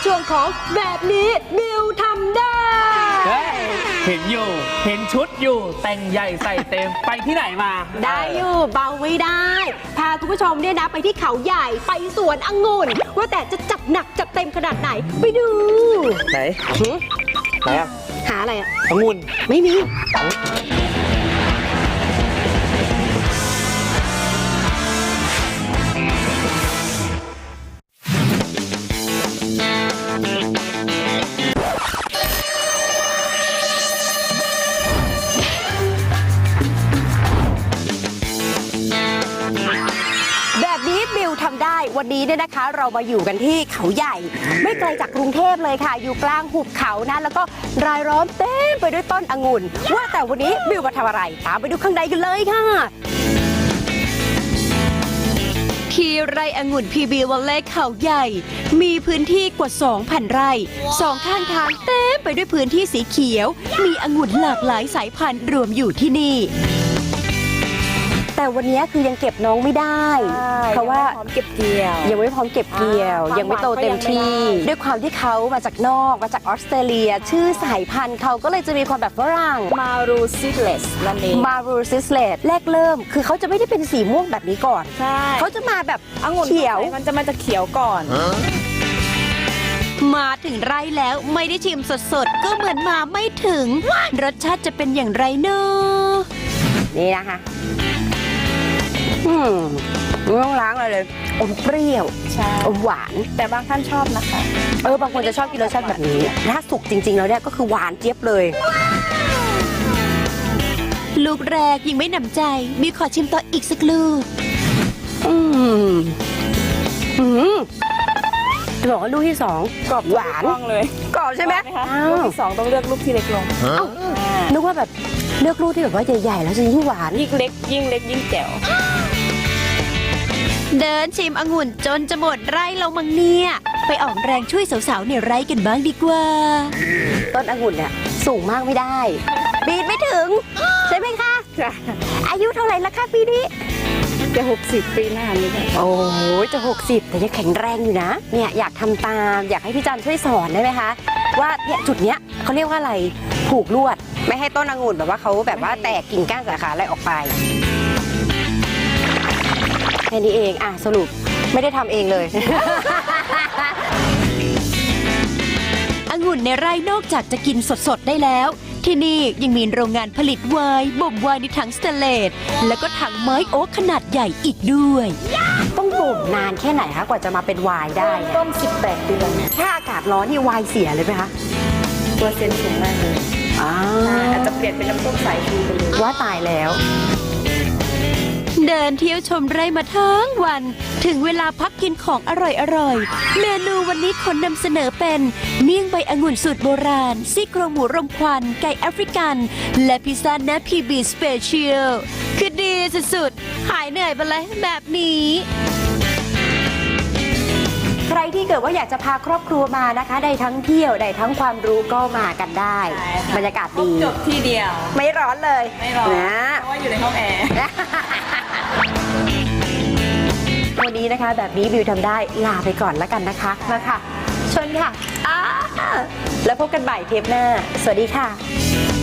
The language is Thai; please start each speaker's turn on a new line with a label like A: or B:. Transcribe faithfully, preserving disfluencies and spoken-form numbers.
A: ช่วงของแบบนี้บิวทำได้
B: เห็นอยู่เห็นชุดอยู่แต่งใหญ่ใส่เต็มไปที่ไหนมา
A: ได้อยู่เบาไม่ได้พาคุณผู้ชมเนี่ยนะไปที่เขาใหญ่ไปสวนองุ่นว่าแต่จะจัดหนักจัดเต็มขนาดไหนไปดู
B: ไหนไหนอะ
A: หาอะไรอะ
B: องุ่น
A: ไม่มีบิวทำได้วันนี้เนี่ยนะคะเรามาอยู่กันที่เขาใหญ่ไม่ไกลจากกรุงเทพเลยค่ะอยู่กลางหุบเขานะแล้วก็รายล้อมเต็มไปด้วยต้นองุ่นว่าแต่วันนี้บิวมาทำอะไรตามไปดูข้างในกันเลยค่ะที่ไร่องุ่นพีบีวัลเล่เขาใหญ่มีพื้นที่กว่า สองพัน ไร่สองข้างทางเต็มไปด้วยพื้นที่สีเขียวมีองุ่นหลากหลายสายพันธุ์รวมอยู่ที่นี่แต่วันนี้คือยังเก็บน้องไม่ได้เพราะว่า
C: พร้อมเก็บเกี่ยว
A: ยังไม่พร้อมเก็บเกี่ยวยังไม่โตเต็มที่ด้วยความที่เขามาจากนอกมาจากออสเตรเลียชื่อสายพันธุ์เขาก็เลยจะมีความแบบฝรั่ง
C: มารูซิสเลสนั่นเอง
A: มารูซิสเลสแรกเริ่มคือเขาจะไม่ได้เป็นสีม่วงแบบนี้ก่อน
C: ใช่
A: เขาจะมาแบบ
C: องุ่น
A: เขียว
C: มันจะมาจากเขียวก่อน
A: มาถึงไร่แล้วไม่ได้ชิมสดๆก็เหมือนมาไม่ถึงรสชาติจะเป็นอย่างไรเนอะนี่นะคะอืมไม่ต้องล้างอะไรเลยอมเปรี้ยว
C: ใช่
A: อมหวาน
C: แต่บางท่านชอบนะคะ
A: เออบางคนจะชอบกินรสชาติแบบนี้ถ้าสุกจริงๆแล้วเนี่ยก็คือหวานเจี๊ยบเลยลูกแรกยังไม่หนำใจมีขอชิมต่ออีกสักลูกอืมอืมจะบอกว่าลูกที่สอง
C: กรอบ
A: หวาน
C: เลย
A: กรอบใช่ไหม
C: ลูกที่สองต้องเลือกลูกที่เล็กลง
A: นึกว่าแบบเลือกลูกที่แบบว่าใหญ่ๆแล้วจะยิ่งหวาน
C: ยิ่งเล็กยิ่งเล็กยิ่งแจ๋ว
A: เดินชิมองุ่นจนจะหมดไร่เรามังเนี่ยไปออกแรงช่วยสาวๆในไร่กันบ้างดีกว่าต้นองุ่นเนี่ยสูงมากไม่ได้ปีนไม่ถึงใช่ไหมคะอายุเท่าไหร่ละคะปีนี้
C: จะหกสิบปีหน้านี้
A: โอ้โหจะหกสิบแต่ยังแข็งแรงอยู่นะเนี่ยอยากทำตามอยากให้พี่จันช่วยสอนได้ไหมคะว่าเนี่ยจุดเนี้ยเขาเรียกว่าอะไรผูกลวดไม่ให้ต้นองุ่นแบบว่าเขาแบบว่าแตกกิ่งก้านสาขาอะไรออกไปแค่นี้เองอ่ะสรุปไม่ได้ทำเองเลย องุ่นในไร่นอกจากจะกินสดๆได้แล้วที่นี่ยังมีโรงงานผลิตไวน์บ่มไวน์ในถังสเตนเลสแล้วก็ถังไม้โอ๊กขนาดใหญ่อีกด้วยต้องบ่มนานแค่ไหนคะกว่าจะมาเป็นไวน์ได้
C: ต้มสิบแปดเดือน
A: ถ้าอากาศร้อนนี่ไวน์เสียเลยไหมคะ
C: เปอร์เซ็นต์สูงมากเลยอาจจะเปลี่ยนเป็นน้ำส้มสายชูไปเลย
A: ว่าตายแล้วเดินเที่ยวชมไร่มาทั้งวันถึงเวลาพักกินของอร่อยๆเมนูวันนี้ขอนำเสนอเป็นเมี่ยงใบองุ่นสูตรโบราณซี่โครงหมูรมควันไก่แอฟริกันและพิซซ่าเนื้อพีบีสเปเชียลคือดีสุดๆหายเหนื่อยไปเลยแบบนี้ใครที่เกิดว่าอยากจะพาครอบครัวมานะคะได้ทั้งเที่ยวได้ทั้งความรู้ก็มากันได้บรรยากาศดี
C: จบที่เดียว
A: ไม่ร้อนเลย
C: ไม่ร้อนนะเพราะว่าอยู่ในห้องแอร์
A: วันนี้นะคะแบบนี้บิวทำได้ลาไปก่อนแล้วกันนะคะมาค่ะชนค่ะแล้วพบกันบ่ายเทปหน้าสวัสดีค่ะ